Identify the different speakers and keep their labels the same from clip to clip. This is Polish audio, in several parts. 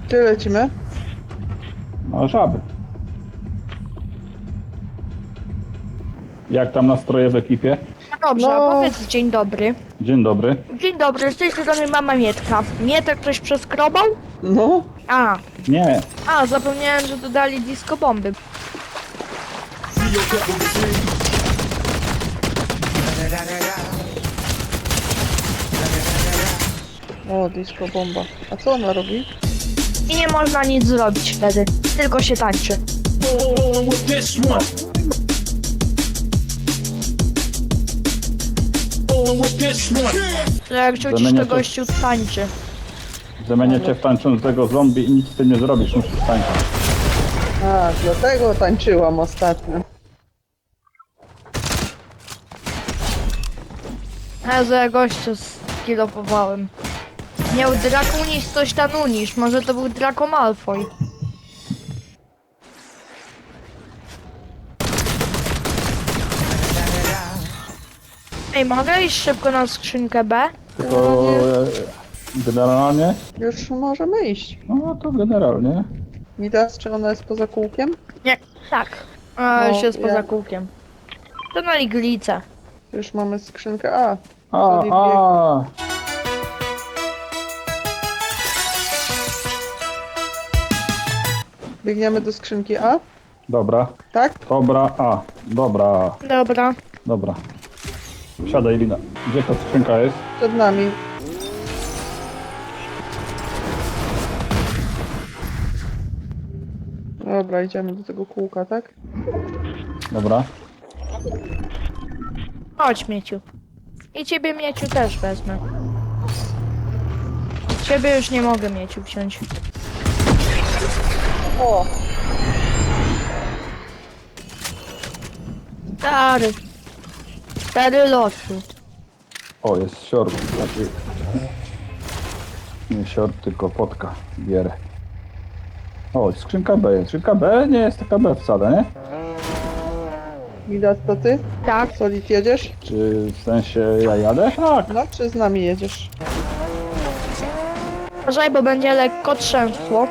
Speaker 1: Gdzie lecimy?
Speaker 2: No, żaby. Jak tam nastroje w ekipie?
Speaker 3: No dobrze,
Speaker 1: No.
Speaker 3: a powiedz dzień dobry.
Speaker 2: Dzień dobry.
Speaker 3: Dzień dobry, z tej strony mama Mietka. Mietek ktoś przeskrobał?
Speaker 1: No.
Speaker 2: Nie,
Speaker 3: Zapomniałem, że dodali disco bomby.
Speaker 1: O, disco bomba. A co ona robi?
Speaker 3: I nie można nic zrobić wtedy, tylko się tańczy. To jak rzucisz,
Speaker 2: Zamienię
Speaker 3: to
Speaker 2: to-
Speaker 3: gościu tańczy.
Speaker 2: zamienię cię w tańczącego zombie i nic z tym nie zrobisz, musisz tańczyć.
Speaker 1: A, dlatego tańczyłam ostatnio.
Speaker 3: Ja za gościu skilopowałem. Miał Drakunis coś tam unisz, może to był Draco Malfoy. Ej, mogę iść szybko na skrzynkę B?
Speaker 2: Tylko generalnie,
Speaker 1: Już możemy iść.
Speaker 2: no to generalnie.
Speaker 1: Midas, czy ona jest poza kółkiem?
Speaker 3: Nie, tak. Już jest poza
Speaker 1: ja-
Speaker 3: kółkiem. To na iglicę.
Speaker 1: Już mamy skrzynkę A.
Speaker 2: A.
Speaker 1: Biegniemy do skrzynki A?
Speaker 2: Dobra,
Speaker 1: Tak?
Speaker 2: dobra, dobra,
Speaker 3: Dobra.
Speaker 2: dobra. Siadaj, Lina. Gdzie ta skrzynka jest?
Speaker 1: Przed nami. Dobra, idziemy do tego kółka, tak?
Speaker 2: Dobra.
Speaker 3: Chodź, Mieciu. I ciebie, Mieciu, też wezmę. Ciebie już nie mogę, Mieciu, wziąć.
Speaker 1: O!
Speaker 3: Stary. Stary losu.
Speaker 2: O, jest siort. Taki... Nie siort, tylko potka. Bierę. O, skrzynka B jest. Skrzynka B nie jest taka B wcale, nie?
Speaker 1: Midas, to ty?
Speaker 3: Tak.
Speaker 1: Solid, jedziesz?
Speaker 2: Czy w sensie ja jadę? Tak.
Speaker 1: No, czy z nami jedziesz?
Speaker 3: Uważaj, bo będzie lekko trzęsło.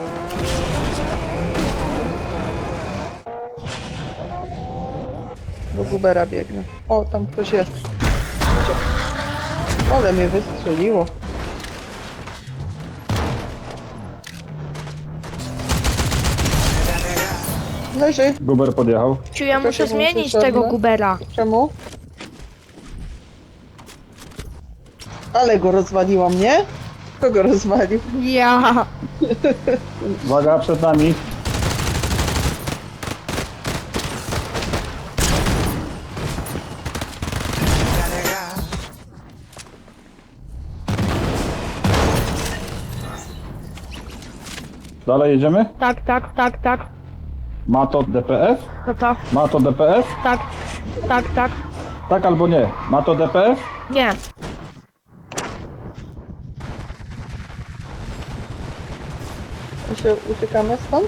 Speaker 1: Do Gubera biegnę. O, tam ktoś jest. Ale mnie wystrzeliło. Leży.
Speaker 2: Guber podjechał.
Speaker 3: Ciu, ja
Speaker 1: To
Speaker 3: muszę
Speaker 1: się włączy
Speaker 3: zmienić
Speaker 1: czarne?
Speaker 3: tego Gubera.
Speaker 1: Czemu? Ale go rozwaliłam, nie? Kto go rozwalił?
Speaker 3: Ja.
Speaker 2: Uwaga, przed nami. Dalej jedziemy?
Speaker 3: Tak, tak, tak, tak.
Speaker 2: Ma to DPF?
Speaker 3: To.
Speaker 2: Ma to DPF?
Speaker 3: Tak. Tak, tak.
Speaker 2: Tak albo nie? Ma to DPF?
Speaker 3: Nie.
Speaker 1: My się uciekamy stąd?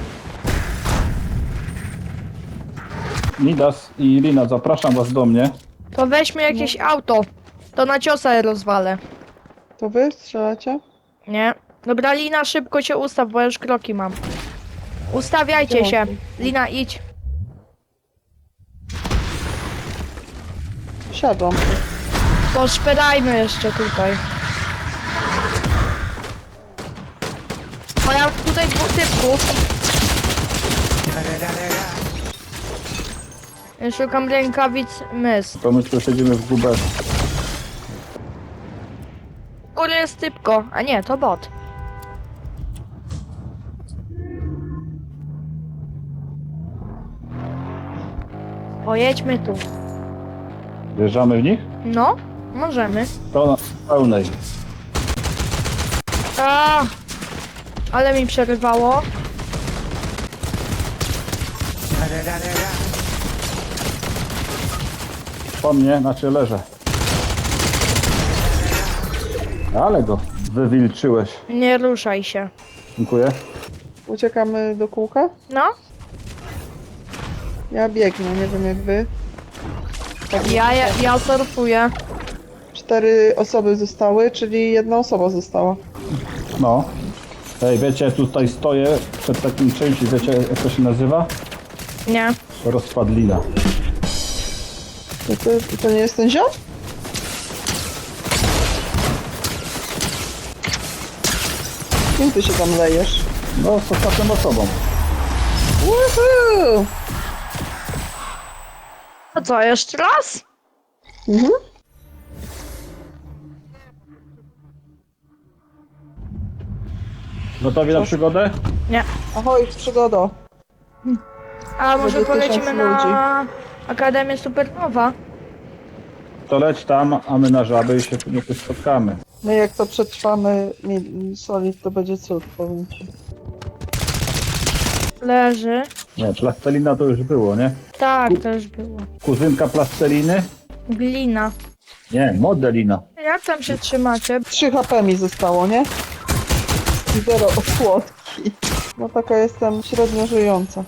Speaker 2: Midas i Lina, zapraszam was do mnie.
Speaker 3: To weźmy jakieś auto. To na ciosa rozwalę.
Speaker 1: To wy strzelacie?
Speaker 3: Nie. Dobra, Lina, szybko się ustaw, bo ja już kroki mam. Ustawiajcie się. Lina, idź.
Speaker 1: Siadłam.
Speaker 3: Poszperajmy jeszcze tutaj. O, ja tutaj dwóch typków. Ja szukam rękawic mys.
Speaker 2: To my tu siedzimy w Guberze.
Speaker 3: Góry jest typko, a nie, to bot. Pojedźmy tu.
Speaker 2: Wjeżdżamy w nich?
Speaker 3: No, możemy.
Speaker 2: To na pełnej.
Speaker 3: A, ale mi przerywało.
Speaker 2: Po mnie, znaczy leżę. Ale go wywilczyłeś.
Speaker 3: Nie ruszaj się.
Speaker 2: Dziękuję.
Speaker 1: Uciekamy do kółka?
Speaker 3: No,
Speaker 1: Ja biegnę, nie wiem jak wy.
Speaker 3: ja surfuję.
Speaker 1: 4 osoby zostały, czyli jedna osoba została.
Speaker 2: No. Ej, wiecie, tutaj stoję przed takim czymś, wiecie jak to się nazywa?
Speaker 3: Nie.
Speaker 2: Rozpadlina.
Speaker 1: To nie jest ten ziom? Kim ty się tam lejesz?
Speaker 2: No, z ostatnią osobą.
Speaker 1: Woohoo!
Speaker 3: A co, jeszcze raz?
Speaker 1: Mhm.
Speaker 2: Gotowi na przygodę?
Speaker 3: Nie.
Speaker 1: Ahoj, przygodo.
Speaker 3: A może
Speaker 1: Będzie
Speaker 3: polecimy
Speaker 1: 1000
Speaker 3: na Akademię Supernowa?
Speaker 2: To leć tam, a my na żaby i się tu spotkamy.
Speaker 1: No jak to przetrwamy Solid, to będzie cud, powiem ci.
Speaker 3: Leży.
Speaker 2: Nie, plastelina to już było, nie?
Speaker 3: Tak, to już było.
Speaker 2: Kuzynka plasteliny?
Speaker 3: Glina.
Speaker 2: Nie, modelina.
Speaker 3: Jak tam się trzymacie?
Speaker 1: 3 HP mi zostało, nie? I 0 osłodki. No taka jestem średnio żyjąca.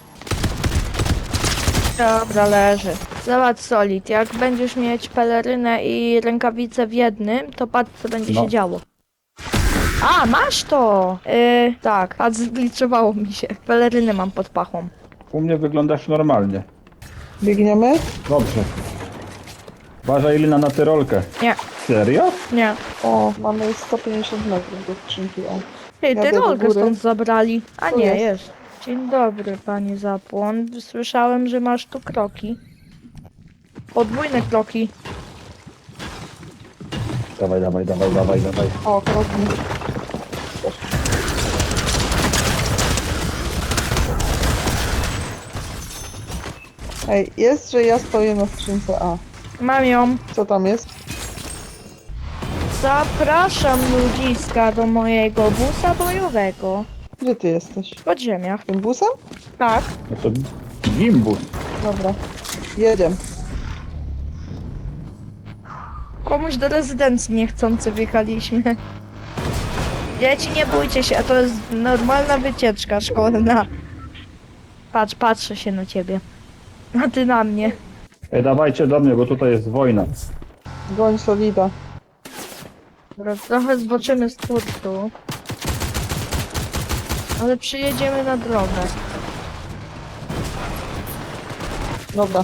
Speaker 3: Dobra, leży. Zobacz, Solid, jak będziesz mieć pelerynę i rękawice w jednym, to patrz, co będzie
Speaker 2: No.
Speaker 3: się działo. A, masz to! Tak, patrz, zgliczowało mi się. Pelerynę mam pod pachą.
Speaker 2: U mnie wyglądasz normalnie.
Speaker 1: Biegniemy?
Speaker 2: Dobrze. Uważaj Lina na tyrolkę.
Speaker 3: Nie,
Speaker 2: Serio?
Speaker 3: nie.
Speaker 1: O, mamy 150 metrów do skrzynki. O.
Speaker 3: Ty,
Speaker 1: Jadę
Speaker 3: ty
Speaker 1: do
Speaker 3: rolkę
Speaker 1: góry.
Speaker 3: stąd zabrali. A
Speaker 1: Tu
Speaker 3: nie,
Speaker 1: jest.
Speaker 3: jest. Dzień dobry, panie Zapłon. Słyszałem, że masz tu kroki. Podwójne kroki.
Speaker 2: Dawaj, dawaj, dawaj, dawaj, dawaj.
Speaker 1: O, kroki. Ej, jest, że ja stoję na skrzynce A.
Speaker 3: Mam ją.
Speaker 1: Co tam jest?
Speaker 3: Zapraszam ludziska do mojego busa bojowego.
Speaker 1: Gdzie ty jesteś?
Speaker 3: W podziemiach.
Speaker 1: Tym busem?
Speaker 3: Tak.
Speaker 2: No to gimbus.
Speaker 1: Dobra. Jedziemy.
Speaker 3: Komuś do rezydencji niechcący wjechaliśmy. Dzieci, nie bójcie się, to jest normalna wycieczka szkolna. Patrz, patrzę się na ciebie. A ty na mnie.
Speaker 2: Ej, dawajcie do mnie, bo tutaj jest wojna.
Speaker 1: Goń Solida.
Speaker 3: Dobra, trochę zboczymy z kursu. Ale przyjedziemy na drogę.
Speaker 1: Dobra.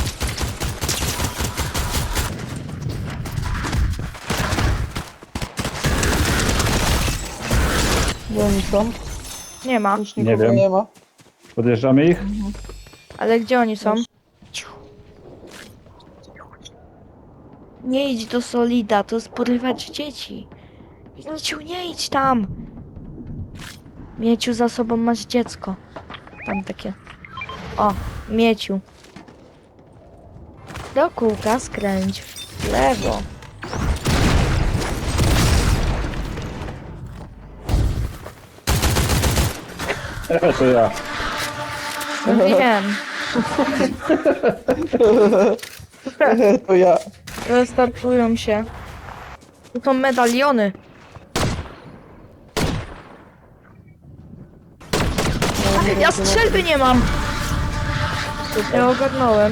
Speaker 1: Gdzie oni są?
Speaker 3: Nie ma.
Speaker 1: Już
Speaker 2: Nie
Speaker 1: nikogo
Speaker 2: wiem.
Speaker 1: nie ma.
Speaker 2: Podjeżdżamy ich?
Speaker 3: Ale gdzie oni są? Nie idź do Solida, to jest porywać dzieci. Mieciu, nie idź tam! Mieciu, za sobą masz dziecko. Tam takie. O, Mieciu. Do kółka skręć w lewo.
Speaker 2: To ja.
Speaker 3: No wiem,
Speaker 1: To ja.
Speaker 3: restartują się. Tu są medaliony. Ja strzelby nie mam! Ja ogarnąłem.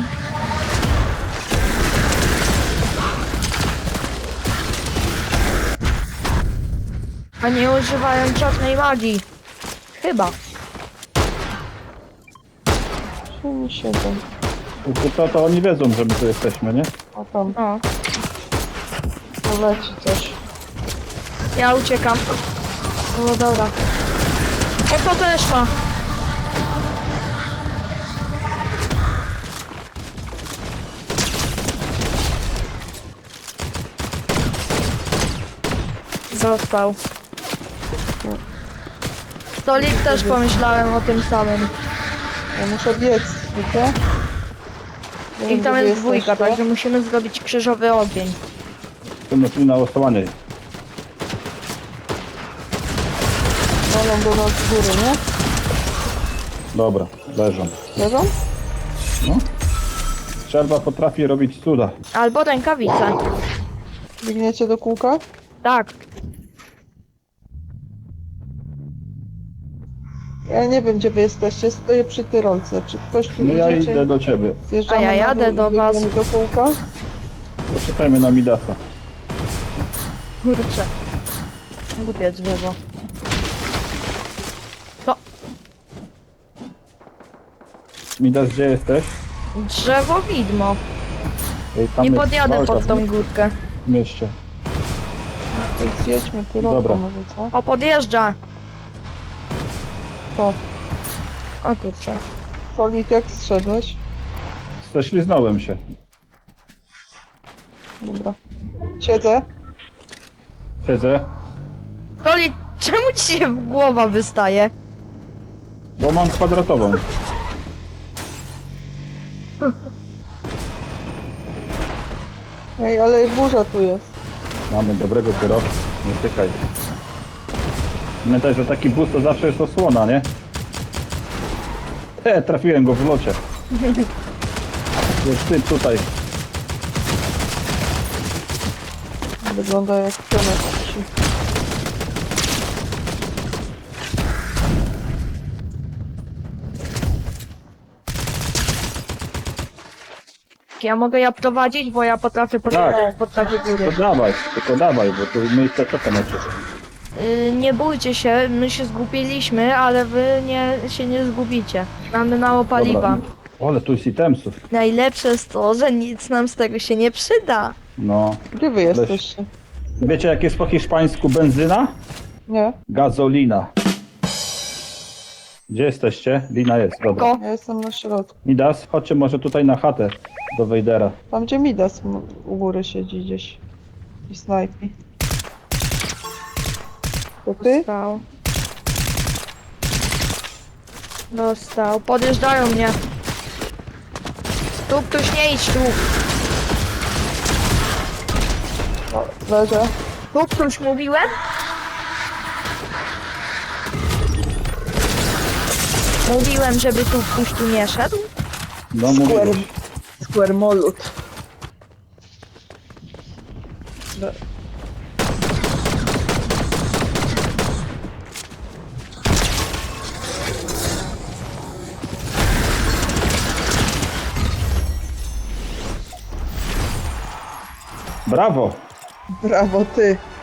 Speaker 3: A nie używają czarnej magii. Chyba.
Speaker 1: Oni siedzą.
Speaker 2: To oni wiedzą, że my tu jesteśmy, nie?
Speaker 1: A tam
Speaker 3: O,
Speaker 1: poleci coś.
Speaker 3: ja uciekam. No dobra. O, to też ma. Został. Solid też pomyślałem o tym samym.
Speaker 1: Ja muszę biec, wiecie? Nie wiem,
Speaker 3: I tam
Speaker 1: gdzie wy
Speaker 3: jest dwójka,
Speaker 1: jesteście.
Speaker 3: także musimy zrobić krzyżowy ogień.
Speaker 2: To na na łosowanie.
Speaker 1: Walą do nas z góry, nie?
Speaker 2: Dobra, leżą.
Speaker 1: Leżą?
Speaker 2: No. Strzelba potrafi robić cuda.
Speaker 3: Albo rękawice.
Speaker 1: Biegniecie do kółka?
Speaker 3: Tak.
Speaker 1: Ja nie wiem, gdzie wy jesteście. Stoję przy tyrolce. Czy ktoś tu
Speaker 2: No ja
Speaker 1: idziecie?
Speaker 2: idę do ciebie.
Speaker 1: Zjeżdżamy
Speaker 3: A ja
Speaker 1: na
Speaker 3: jadę
Speaker 1: dół
Speaker 3: do
Speaker 1: i
Speaker 3: was.
Speaker 1: biegniemy do kółka?
Speaker 2: Poczekajmy na Midasa.
Speaker 3: Kurczę. Głupie drzewo.
Speaker 2: Midas, gdzie jesteś?
Speaker 3: Drzewo widmo.
Speaker 2: Ej, tam
Speaker 3: Nie
Speaker 2: jest
Speaker 3: podjadę
Speaker 2: walka
Speaker 3: pod tą górkę.
Speaker 2: w mieście.
Speaker 1: To zjedźmy
Speaker 2: Dobra.
Speaker 1: kierowcą może, co?
Speaker 3: O, podjeżdża.
Speaker 1: To.
Speaker 3: O kurczę.
Speaker 1: Solid, jak zszedłeś?
Speaker 2: Ześliznąłem się.
Speaker 1: Dobra. Siedzę.
Speaker 2: Siedzę,
Speaker 3: Koli, czemu ci się głowa wystaje?
Speaker 2: bo mam kwadratową.
Speaker 1: Ej, ale burza tu jest.
Speaker 2: Mamy dobrego kierowcę, nie tykaj. Pamiętaj, że taki bus to zawsze jest osłona, nie? Trafiłem go w locie. Jest ty tutaj.
Speaker 1: Wygląda jak pionek.
Speaker 3: Ja mogę ja prowadzić, bo ja potrafię
Speaker 2: Tak.
Speaker 3: potrafię góry.
Speaker 2: Tylko dawaj, bo tu miejsce czeka na ciebie.
Speaker 3: Nie bójcie się, my się zgubiliśmy, ale wy się nie zgubicie. Mamy mało paliwa.
Speaker 2: Dobra. O, ale tu jest itemsów.
Speaker 3: Najlepsze jest to, że nic nam z tego się nie przyda.
Speaker 2: No.
Speaker 1: Gdzie wy jesteście?
Speaker 2: Wiecie jak jest po hiszpańsku benzyna?
Speaker 1: Nie?
Speaker 2: Gazolina. Gdzie jesteście? Lina jest, dobra.
Speaker 3: Ko.
Speaker 1: Ja jestem na środku.
Speaker 2: Midas, chodźcie może tutaj na chatę do Wejdera.
Speaker 1: Tam gdzie Midas u góry siedzi gdzieś. I snajpi. To ty?
Speaker 3: Dostał. Dostał. Podjeżdżają mnie. Tu ktoś nie idź tu.
Speaker 1: O, leżę.
Speaker 3: Tu ktoś mówiłem? Mówiłem, żeby tu ktoś tu nie szedł.
Speaker 2: No mówię.
Speaker 1: Squirmolut.
Speaker 2: Brawo!
Speaker 1: Brawo ty.